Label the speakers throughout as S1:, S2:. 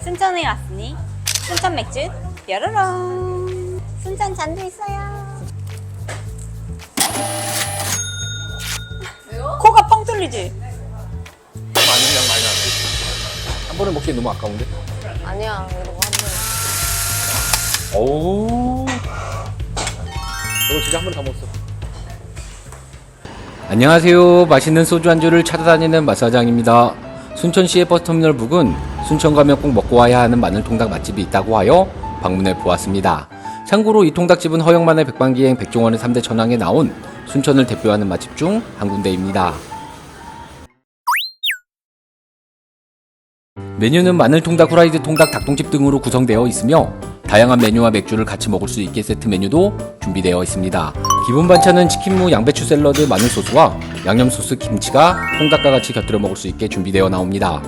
S1: 순천에 왔으니 순천 맥주 뾰로롱. 순천 잔도 있어요.
S2: 왜요?
S1: 코가 펑 뚫리지?
S3: 많은 양 많이 나왔지. 한 번에 먹기 너무 아까운데?
S2: 아니야, 이러고 한 번.
S3: 오. 이거 진짜 한 번에 다 먹었어. 안녕하세요. 맛있는 소주 안주를 찾아다니는 맛사장입니다. 순천시의 버스터미널 부근 순천 가면 꼭 먹고 와야 하는 마늘통닭 맛집이 있다고 하여 방문해 보았습니다. 참고로 이 통닭집은 허영만의 백반기행 백종원의 3대 천왕에 나온 순천을 대표하는 맛집 중 한 군데입니다. 메뉴는 마늘통닭, 후라이드 통닭, 닭똥집 등으로 구성되어 있으며 다양한 메뉴와 맥주를 같이 먹을 수 있게 세트 메뉴도 준비되어 있습니다. 기본 반찬은 치킨무, 양배추 샐러드, 마늘 소스와 양념 소스, 김치가 통닭과 같이 곁들여 먹을 수 있게 준비되어 나옵니다.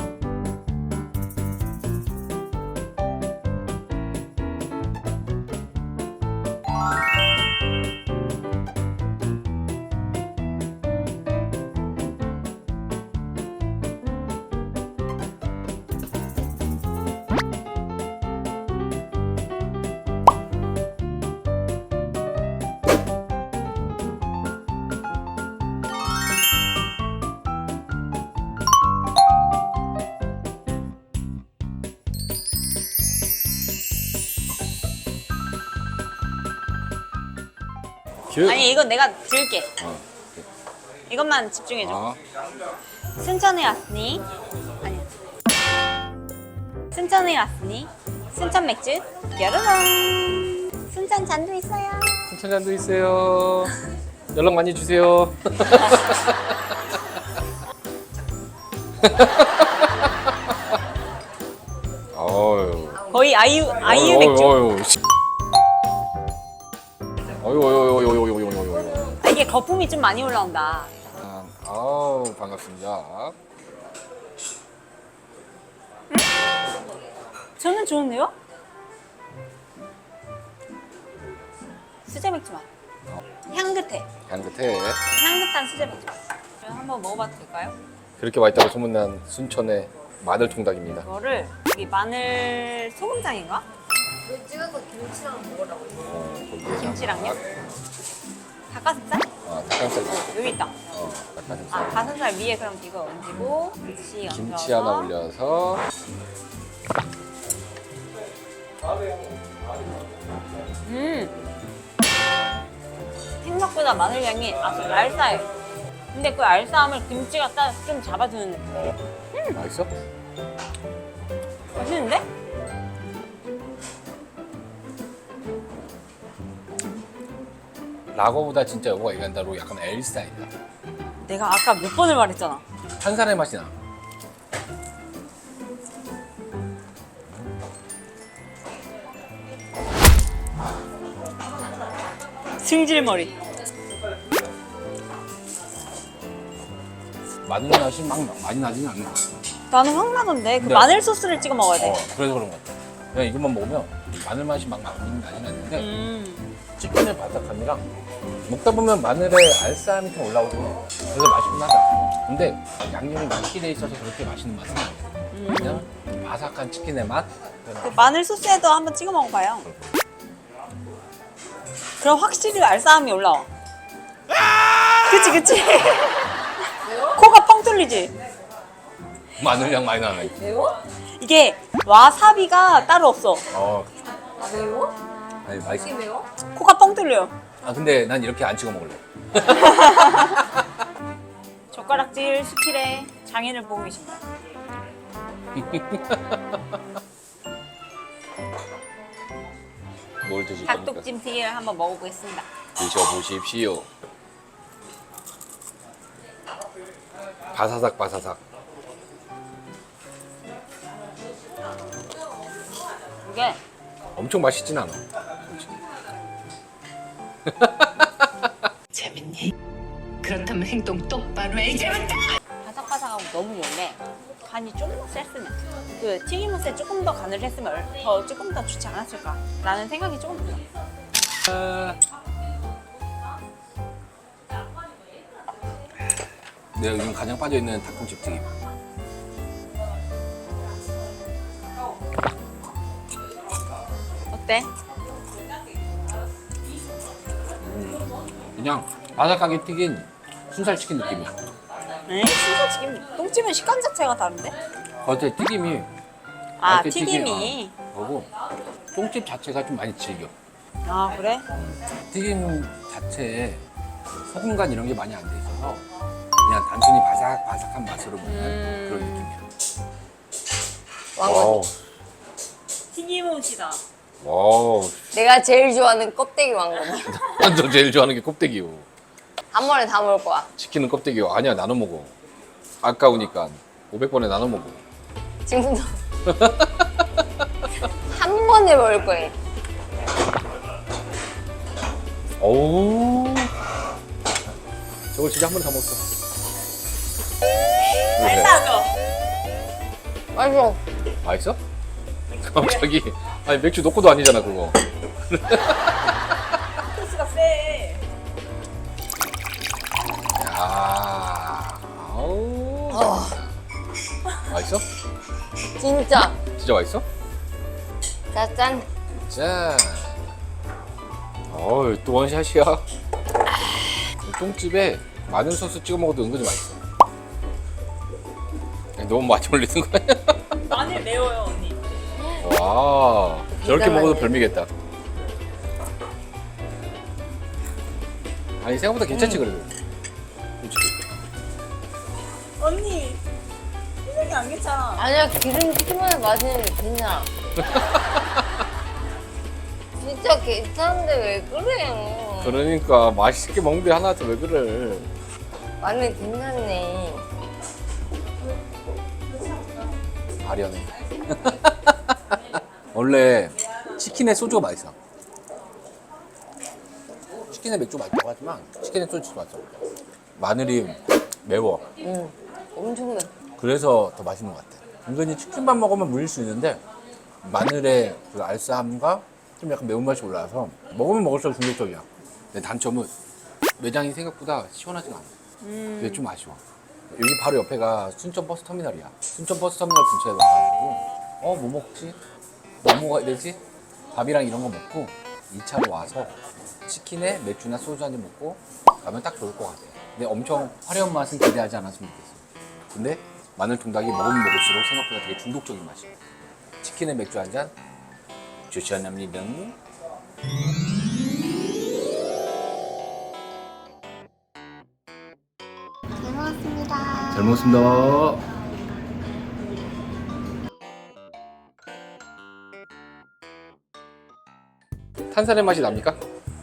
S1: 아니 이건 내가 줄게. 이것만 집중해줘. 순천에 왔으니 아니야. 순천에 왔으니 순천 맥주 뾰로롱. 순천 잔도 있어요.
S3: 순천잔도 있어요. 연락 많이 주세요. 어휴.
S1: 거의 아이유 맥주.
S3: 어휴.
S1: 아, 이게 거품이 좀 많이 올라온다.
S3: 아우 반갑습니다.
S1: 저는 좋은데요? 수제 맥주 맛. 향긋해.
S3: 향긋해.
S1: 향긋한 수제 맥주 맛. 한번 먹어봐도 될까요?
S3: 그렇게 맛있다고 소문난 순천의 마늘통닭입니다.
S1: 이거를 여기 마늘 소금장인가?
S2: 이거 찍은 거 김치랑 먹으라고.
S3: 거기에
S1: 김치랑요? 닭가슴살?
S3: 닭가슴살.
S1: 여기 있다.
S3: 닭가슴살.
S1: 아, 가슴살 위에 그럼 이거 얹고 김치 얹어서
S3: 김치 하나 올려서.
S1: 생각보다 마늘 향이 아주 알싸해. 근데 그 알싸함을 김치가 딱 좀 잡아주는 느낌.
S3: 맛있어?
S1: 맛있는데?
S3: 라거보다 진짜 여보가 얘기한 대로 약간 L 스타일이다.
S1: 내가 아까 몇 번을 말했잖아.
S3: 탄산의 맛이 나.
S1: 승질머리.
S3: 마늘 맛이 막 많이 나지는 않나.
S1: 나는 확 나던데 그
S3: 네.
S1: 마늘 소스를 찍어 먹어야 돼.
S3: 그래서 그런 것 같아. 그냥 이것만 먹으면 마늘 맛이 막 나지는 않는데
S1: 음.
S3: 치킨의 바삭함이랑 먹다 보면 마늘의 알싸함이 좀 올라오고 그래서 맛있긴 하다. 근데 양념이 맛있게 돼 있어서 그렇게 맛있는 맛은 아니야. 그냥 바삭한 치킨의 맛?
S1: 그 마늘 소스에도 한번 찍어 먹어봐요. 그럼 확실히 알싸함이 올라와. 그치 그치. 코가 펑 뚫리지.
S3: 마늘 향 많이 나네.
S2: 매워?
S1: 이게 와사비가 따로 없어.
S2: 아, 매워?
S3: 아니 맛있어.
S2: 이게 매워?
S1: 코가 펑 뚫려.
S3: 근데 난 이렇게 안 찍어 먹을래.
S1: 젓가락질 스킬에 장인을 보고 계십니다.
S3: 뭘 드실 겁니까?
S1: 닭독찜튀김을 한번 먹어보겠습니다.
S3: 드셔보십시오. 바사삭 바사삭.
S1: 이게
S3: 엄청 맛있진 않아.
S4: 재밌니? 그렇다면 행동 똑바로 해 이제부터!
S1: 바삭바삭하고 너무 좋은데 간이 조금 더 셌으면 그 튀김옷에 조금 더 간을 했으면 조금 더 좋지 않았을까 라는 생각이 조금 들어요.
S3: 내가 요즘 가장 빠져있는 닭똥집 튀김.
S1: 어때?
S3: 그냥 바삭하게 튀긴 순살치킨 느낌이야.
S1: 에? 순살치킨 똥집은 식감 자체가 다른데?
S3: 겉에 튀김이
S1: 아
S3: 겉에
S1: 튀김이.
S3: 거고 똥집 자체가 좀 많이 질겨.
S1: 아 그래?
S3: 튀김 자체에 소금간 이런 게 많이 안 돼 있어서 그냥 단순히 바삭바삭한 맛으로 먹는 그런 느낌이야.
S2: 왕건.
S1: 튀김옷이다.
S3: 와우.
S2: 내가 제일 좋아하는 껍데기 왕건.
S3: 너 제일 좋아하는 게 껍데기요.
S2: 한 번에 다 먹을 거야.
S3: 치킨은 껍데기요. 아니야, 나눠 먹어. 아까우니까 500번에 나눠 먹어.
S2: 지금도 한 번에 먹을 거예요.
S3: 어우. 저걸 진짜 한 번에 다 먹었어.
S1: 알싸죠?
S2: 맛있어.
S3: 맛있어? 갑자기 아니 맥주 놓고도 아니잖아 그거.
S1: 소스가 세.
S3: 야, 아우. 맛있어?
S2: 진짜.
S3: 진짜 맛있어?
S2: 짠.
S3: 짠. 어우 또 원샷이야. 똥집에 마늘 소스 찍어 먹어도 은근히 맛있어. 너무 많이 올리는 거야?
S1: 마늘 매워요 언니.
S3: 와, 저렇게
S2: 기가
S3: 먹어도
S2: 막히네.
S3: 별미겠다. 아니 생각보다 괜찮지 그래도. 솔직히.
S1: 언니 표정이 안 괜찮아.
S2: 아니야, 기름 튀기면 맛있는 게 괜찮아. 진짜 괜찮은데 왜 그래요?
S3: 그러니까 맛있게 먹는데 하나한테 왜 그래?
S2: 마늘 괜찮네.
S3: 아련해. 원래 치킨에 소주가 맛있어. 치킨에 맥주 맛있다고 하지만 치킨에 소주 맛있어. 마늘이 매워.
S2: 엄청 매.
S3: 그래서 더 맛있는 것 같아. 은근히 치킨만 먹으면 물릴 수 있는데 마늘의 그 알싸함과 좀 약간 매운맛이 올라와서 먹으면 먹을수록 중독적이야. 근데 단점은 매장이 생각보다 시원하지가 않아. 그게 좀 아쉬워. 여기 바로 옆에가 순천 버스 터미널이야. 순천 버스 터미널 근처에 와가지고 뭐 먹지? 뭐 먹어야 되지? 밥이랑 이런 거 먹고 2차로 와서 치킨에 맥주나 소주 한 잔 먹고 가면 딱 좋을 것 같아. 근데 엄청 화려한 맛은 기대하지 않았으면 좋겠어. 근데 마늘 통닭이 먹으면 먹을수록 생각보다 되게 중독적인 맛이야. 치킨에 맥주 한 잔 추천합니다. 잘 먹었습니다. 탄산의 맛이 납니까?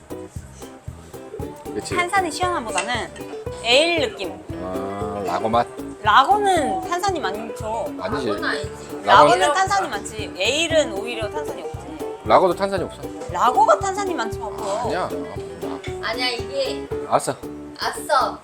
S3: 그렇지.
S1: 탄산이 시원함보다는 에일 느낌.
S3: 아, 라거 맛
S1: 라거는 탄산이 많죠.
S3: 아니지.
S2: 아니지.
S1: 라거는 탄산이 많지. 에일은 오히려 탄산이 없지.
S3: 라거도 탄산이 없어.
S1: 라거가 탄산이 많지 바보.
S3: 아니야.
S2: 아니야, 이게
S3: 알았어.
S2: 아싸.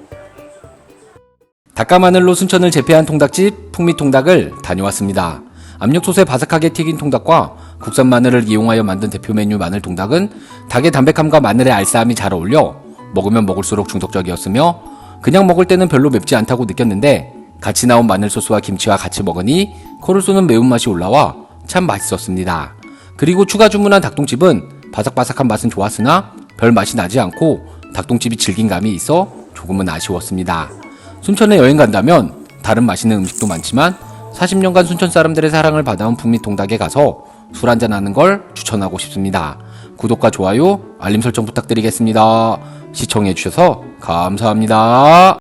S3: 닭가마늘로 순천을 제패한 통닭집 풍미통닭을 다녀왔습니다. 압력솥에 바삭하게 튀긴 통닭과 국산 마늘을 이용하여 만든 대표 메뉴 마늘통닭은 닭의 담백함과 마늘의 알싸함이 잘 어울려 먹으면 먹을수록 중독적이었으며 그냥 먹을 때는 별로 맵지 않다고 느꼈는데 같이 나온 마늘소스와 김치와 같이 먹으니 코를 쏘는 매운맛이 올라와 참 맛있었습니다. 그리고 추가 주문한 닭똥집은 바삭바삭한 맛은 좋았으나 별 맛이 나지 않고 닭똥집이 질긴 감이 있어 조금은 아쉬웠습니다. 순천에 여행 간다면 다른 맛있는 음식도 많지만 40년간 순천 사람들의 사랑을 받아온 풍미통닭에 가서 술 한잔 하는 걸 추천하고 싶습니다. 구독과 좋아요, 알림 설정 부탁드리겠습니다. 시청해주셔서 감사합니다.